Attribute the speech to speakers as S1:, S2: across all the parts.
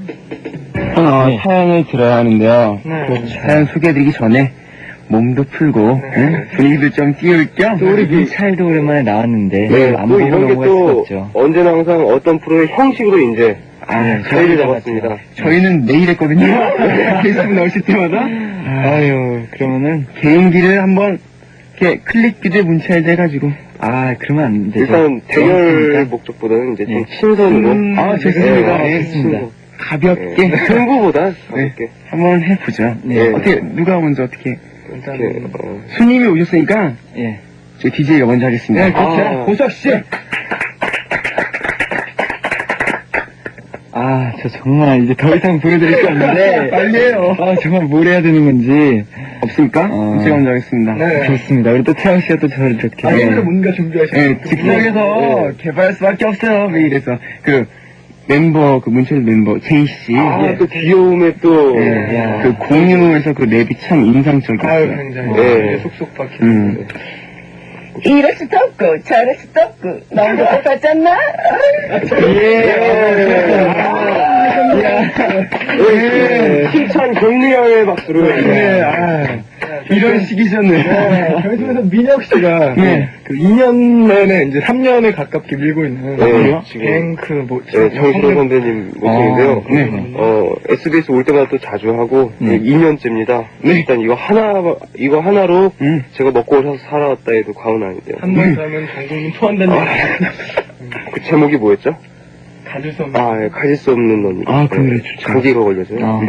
S1: 네. 사연을 들어야 하는데요.
S2: 그렇죠.
S1: 사연 소개해드리기 전에 몸도 풀고 분위기도 좀 띄울 겸
S2: 또 우리 민찰도 오랜만에 나왔는데
S3: 네,
S2: 안
S3: 또
S2: 보고
S3: 이런 게
S2: 넘어갈 수가
S3: 또
S2: 없죠.
S3: 언제나 항상 어떤 프로의 형식으로 이제 자리를 잡았습니다.
S1: 저희는 매일 했거든요. 게스트 나오실 때마다.
S2: 아유, 그러면은
S1: 개인기를 한번 이렇게 클릭비드 문자에다 해가지고.
S2: 그러면 안 되죠.
S3: 일단 대결 목적보다는 이제 좀 신선으로.
S1: 좋습니다.
S2: 네, 좋습니다.
S1: 가볍게.
S3: 승부보다 가볍게.
S1: 한번 해보죠.
S3: 네.
S1: 어떻게, 누가 먼저 어떻게.
S3: 이렇게,
S1: 손님이 오셨으니까,
S2: 예.
S1: 저희 DJ가 먼저 하겠습니다.
S2: 네, 그렇죠.
S1: 보석씨!
S2: 저 정말 이제 더 이상 보여드릴 수 없는데.
S1: 빨리 해요.
S2: 정말 뭘 해야 되는 건지.
S1: 없습니까? 제가 먼저 하겠습니다.
S2: 좋습니다. 우리 또 태양 씨가 또 저를 이렇게.
S1: 뭔가 준비하셨어요. 즉석에서 개발할 수밖에 없어요. 매일에서. 멤버, 문철 멤버, 제이씨.
S3: 또 귀여움에 또.
S1: 공유에서 랩이 참 인상적이었어요.
S3: 굉장히.
S1: 속속 박히는. 이럴 수도 없고, 저럴 수도 없고, 너무 똑같잖아?
S3: 힘찬 격려의 박수를.
S1: 이런 식이셨네.
S4: 방송에서 민혁 씨가 그 2년 내내 이제 3년에 가깝게 밀고 있는
S3: 지금.
S4: 뱅크
S3: 정신호 선배님 모습인데요. SBS 올 때마다 또 자주 하고 2년째입니다. 일단 이거 하나로 제가 먹고 살아왔다 해도 과언 아닌데요.
S4: 한 번 살면 전국민 토한다는 얘기.
S3: 그 제목이 뭐였죠?
S4: 가질 수 없는.
S3: 가질 수 없는 놈.
S1: 그래, 좋죠.
S3: 감기가 걸려서요.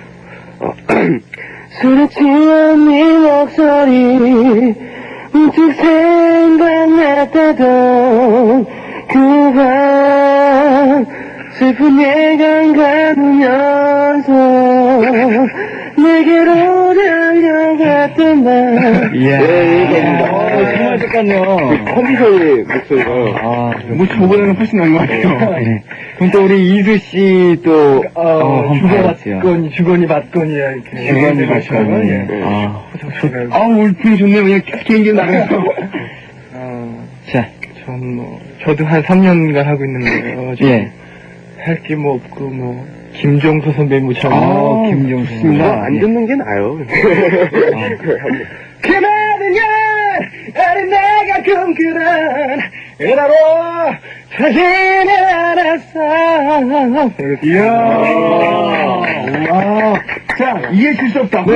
S3: 술에 취한 네 목소리 문득 생각났다던 그밤 슬픈 예감 가누면서 내게로 달려갔던 날.
S2: 정말 똑같네요.
S3: 컨디션이 목소리가.
S1: 저보다는 훨씬 나은 것 같아요.
S2: 그럼 또 우리 이수 씨 또,
S4: 주거니 받거니야, 이렇게.
S2: 주거니 받거니.
S1: 울풍이 좋네요. 그냥 개인기 나가서.
S4: 저도 한 3년간 하고 있는데요. 할 게 뭐 없고, 김종서 선배 모처럼.
S2: 김종서.
S3: 안 듣는 게 나아요.
S1: 그 많은 아니 내가 꿈꾸던 그대로 사진을 알았어. 이야. 자, 이해할 수 없다.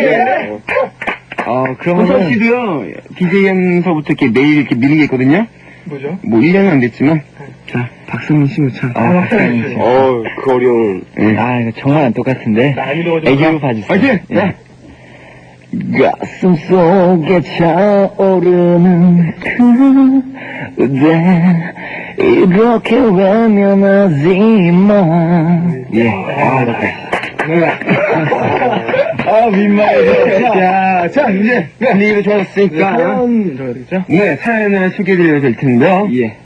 S2: 그러면.
S1: 호석 씨도요, DJ에서부터 이렇게 매일 이렇게 미는 게 있거든요?
S4: 뭐죠?
S1: 1년은 안 됐지만. 자, 박성민 씨 모창.
S2: 박상민 씨.
S3: 그 어려운.
S2: 이거 정말 안 똑같은데. 애교로 봐주세요.
S1: 화이팅! 네.
S2: 가슴 속에 차오르는 그대 이렇게 외면하지만
S1: 민망해요. 자, 이제 분위기가 좋아졌으니까.
S4: 사연 줘야 되겠죠?
S1: 네, 사연을 소개해드려야 될 텐데요.